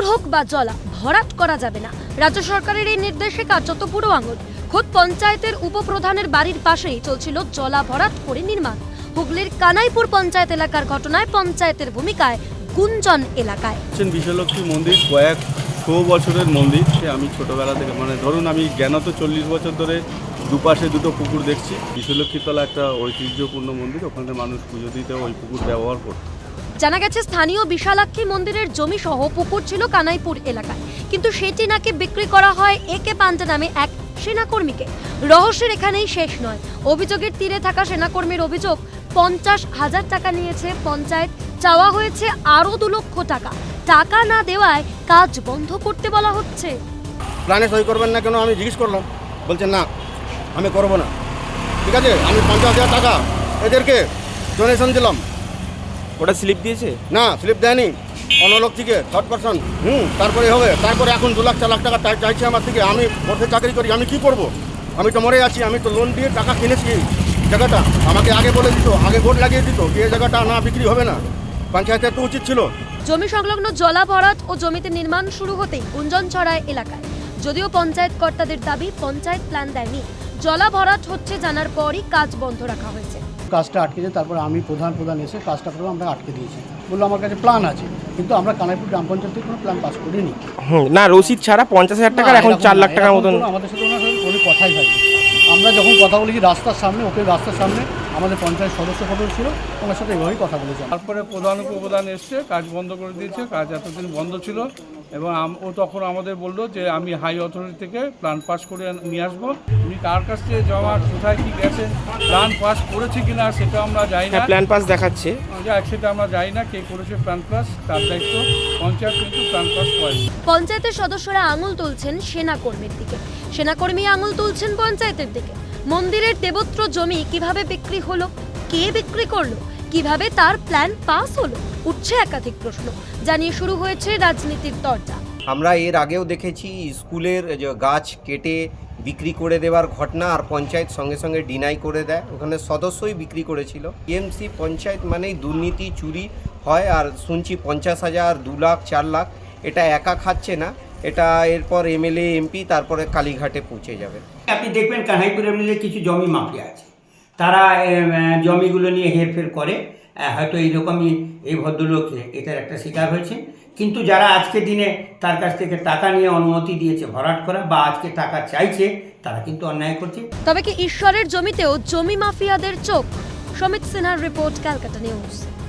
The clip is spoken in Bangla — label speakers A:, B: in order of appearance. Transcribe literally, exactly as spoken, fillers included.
A: পুকুর হোক বা জলা, ভরাট করা যাবে না। রাজ্য সরকারের এই নির্দেশে কার্যত পুরো আঙুল। খোদ পঞ্চায়েতের উপপ্রধানের বাড়ির পাশেই চলছিল জলা ভরাট করে নির্মাণ। হুগলির কানাইপুর পঞ্চায়েত এলাকার ঘটনায় পঞ্চায়েতের ভূমিকায় গুঞ্জন এলাকায়।
B: বিশ্বলক্ষ্মী মন্দির কয়েক শো বছরের মন্দির। আমি ছোটবেলা থেকে মানে ধরুন আমি জ্ঞানত চল্লিশ বছর ধরে দুপাশে দুটো পুকুর দেখছি। বিশ্বলক্ষ্মীতলা একটা ঐতিহ্যপূর্ণ মন্দির, ওখানে মানুষ পুজো দিতে ওই পুকুর ব্যবহার করত।
A: জানা গেছে স্থানীয় বিশালাক্ষী মন্দিরের জমি সহ পুকুর ছিল কানাইপুর এলাকায়, কিন্তু সেটি নাকি বিক্রি করা হয় একে পান্ডে নামে এক সেনাকর্মীকে। রহস্যের এখানেই শেষ নয়। অভিযোগের তীরে থাকা সেনাকর্মীর অভিযোগ, পঞ্চাশ হাজার টাকা নিয়েছে পঞ্চায়েত, চাওয়া হয়েছে আরো দু লক্ষ টাকা। টাকা না দেওয়ায় কাজ বন্ধ করতে বলা হচ্ছে।
C: প্ল্যানে সই করবেন না কেন আমি জিজ্ঞেস করলাম, বলছেন না আমি করবো না। ঠিক আছে, আমি পঞ্চাশ হাজার টাকা এদেরকে ডোনেশন দিলাম।
D: ওটা স্লিপ দিয়েছে?
C: না, স্লিপ দেয়নি, অন্য লোক থেকে থার্ড পার্সন। হুম তারপরে হবে, তারপরে এখন দু লাখ চার লাখ টাকা চাইছে আমার থেকে। আমি পথে চাকরি করি, আমি কি করব? আমি তো মরে আছি। আমি তো লোন দিয়ে টাকা কিনেছি জায়গাটা। আমাকে আগে বলে দিত, আগে ভোট লাগিয়ে দিত এই জায়গাটা না বিক্রি হবে না। পঞ্চায়েতের তো উচিত ছিল।
A: জমি সংলগ্ন জলা ভরাট ও জমিতে নির্মাণ শুরু হতেই গুঞ্জন ছড়ায় এলাকায়। যদিও পঞ্চায়েত কর্তাদের দাবি পঞ্চায়েত প্ল্যান দেয়নি, জলা ভরাট হচ্ছে জানার পরই কাজ বন্ধ রাখা হয়েছে।
E: কাজটা আটকেছে, তারপর আমি প্রধান প্রধান এসে কাজটা করে আমরা আটকে দিয়েছি। বললো আমার কাছে প্ল্যান আছে, কিন্তু আমরা কানাইপুর গ্রাম পঞ্চায়েত থেকে কোনো প্ল্যান পাস করিনি।
D: হুম না, রসিদ ছাড়া পঞ্চাশ হাজার টাকার এখন চার লাখ টাকার মতন।
E: আমাদের সাথে ওনার সাথে কোনো কথাই হয়নি। আমরা যখন কথা বলেছি রাস্তার সামনে, ওকে রাস্তার সামনে আমাদের পঞ্চায়েত সদস্য সদস্য ছিল, ওনার সাথে এভাবেই কথা বলেছি।
B: তারপরে প্রধান উপপ্রধান এসছে, কাজ বন্ধ করে দিয়েছে। কাজ এতদিন বন্ধ ছিল এবং ও তখন আমাদের বললো যে আমি হাই অথরিটি থেকে প্ল্যান পাস করে নিয়ে আসবো। উনি কার কাছ থেকে জমা কোথায় কি গেছেন, প্ল্যান পাস করেছে কিনা সেটা আমরা জানি না।
D: প্ল্যান পাস দেখাচ্ছে,
B: সেটা আমরা জানি না কে করেছে প্ল্যান পাস, তার দায়িত্ব। পঞ্চায়েত কিন্তু প্ল্যান পাস করে।
A: পঞ্চায়েতের সদস্যরা আঙুল তুলছেন সেনাকর্মীর দিকে, সেনাকর্মী আঙুল তুলছেন পঞ্চায়েতের দিকে। মন্দিরের দেবত্র জমি কিভাবে বিক্রি হলো, কে বিক্রি করলো, কিভাবে তার প্ল্যান পাস হলো, উঠছে একাধিক প্রশ্ন। জানিয়ে শুরু হয়েছে রাজনীতির দরজা।
F: আমরা এর আগেও দেখেছি স্কুলের যে গাছ কেটে বিক্রি করে দেওয়ার ঘটনা, আর পঞ্চায়েত সঙ্গে সঙ্গে ডিনাই করে দেয়। ওখানে সদস্যই বিক্রি করেছিল। টিএমসি পঞ্চায়েত মানেই দুর্নীতি, চুরি হয়। আর শুনছি পঞ্চাশ হাজার দু লাখ চার লাখ এটা একা খাচ্ছে না, এটা এরপর এমএলএ এমপি তারপরে কালীঘাটে পৌঁছে যাবে।
G: আপনি দেখবেন কানাইপুরের মধ্যে কিছু জমি মাফিয়া আছে, তারা জমিগুলো নিয়ে হেরফের করে। হয়তো এইরকমই এই ভদ্রলোক এটার একটা শিকার হয়েছে। কিন্তু যারা আজকে দিনে তার কাছ থেকে টাকা নিয়ে অনুমতি দিয়েছে ভরাট করা বা আজকে টাকা চাইছে, তারা কিন্তু অন্যায় করছে।
A: তবে কি ঈশ্বরের জমিতেও জমি মাফিয়াদের চোখ? সমিত সিনহার রিপোর্ট, ক্যালকাটা নিউজ।